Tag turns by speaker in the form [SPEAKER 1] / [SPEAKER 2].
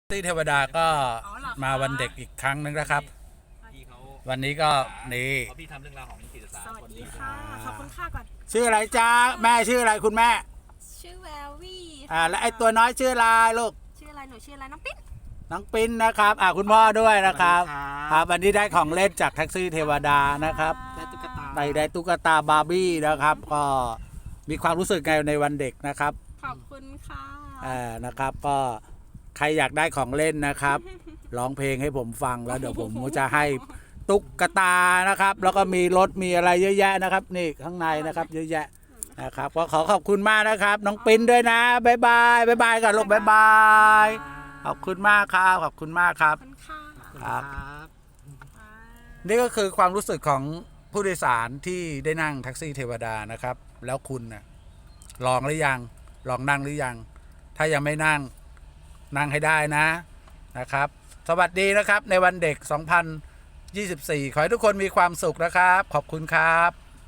[SPEAKER 1] ตี้เทวดาก็มาวันเด็กอีกครั้งนึงนะครับวันนี้ก็นี่
[SPEAKER 2] พี่ทำเรื่องราวของจิตศาสตร์
[SPEAKER 3] สวัสดีค่ะขอบคุณค่ะก่อน
[SPEAKER 1] ชื่ออะไรจ้าแม่ชื่ออะไรคุณแม่
[SPEAKER 3] ชื่อแวววี่
[SPEAKER 1] แล้วไอ้ตัวน้อยชื่ออะไรลูก
[SPEAKER 3] ชื่ออะไรหนูชื่ออะไรน้องปิ๊น
[SPEAKER 1] นะครับคุณพ่อด้วยนะครับครับวันนี้ได้ของเล่นจากแท็กซี่เทวดานะครับ
[SPEAKER 2] ได้ตุ๊กตา
[SPEAKER 1] ได้ตุ๊กตาบาร์บี้นะครับก็มีความรู้สึกไงในวันเด็กนะครับ
[SPEAKER 3] ขอบคุณค่ะ
[SPEAKER 1] นะครับก็ใครอยากได้ของเล่นนะครับร้องเพลงให้ผมฟังแล้วเดี๋ยวผมจะให้ตุ๊กตานะครับแล้วก็มีรถมีอะไรเยอะแยะนะครับนี่ข้างในนะครับเยอะแยะนะครับก็ขอบคุณมากนะครับน้องปิ้นด้วยนะบ๊ายบายก่อนลูกบ๊ายบายขอบคุณมากครับขอบคุณมากครับครับนี่ก็คือความรู้สึกของผู้โดยสารที่ได้นั่งแท็กซี่เทวดานะครับแล้วคุณนะลองหรือยังลองนั่งหรือยังถ้ายังไม่นั่งให้ได้นะครับสวัสดีนะครับในวันเด็ก 2024 ขอให้ทุกคนมีความสุขนะครับขอบคุณครับ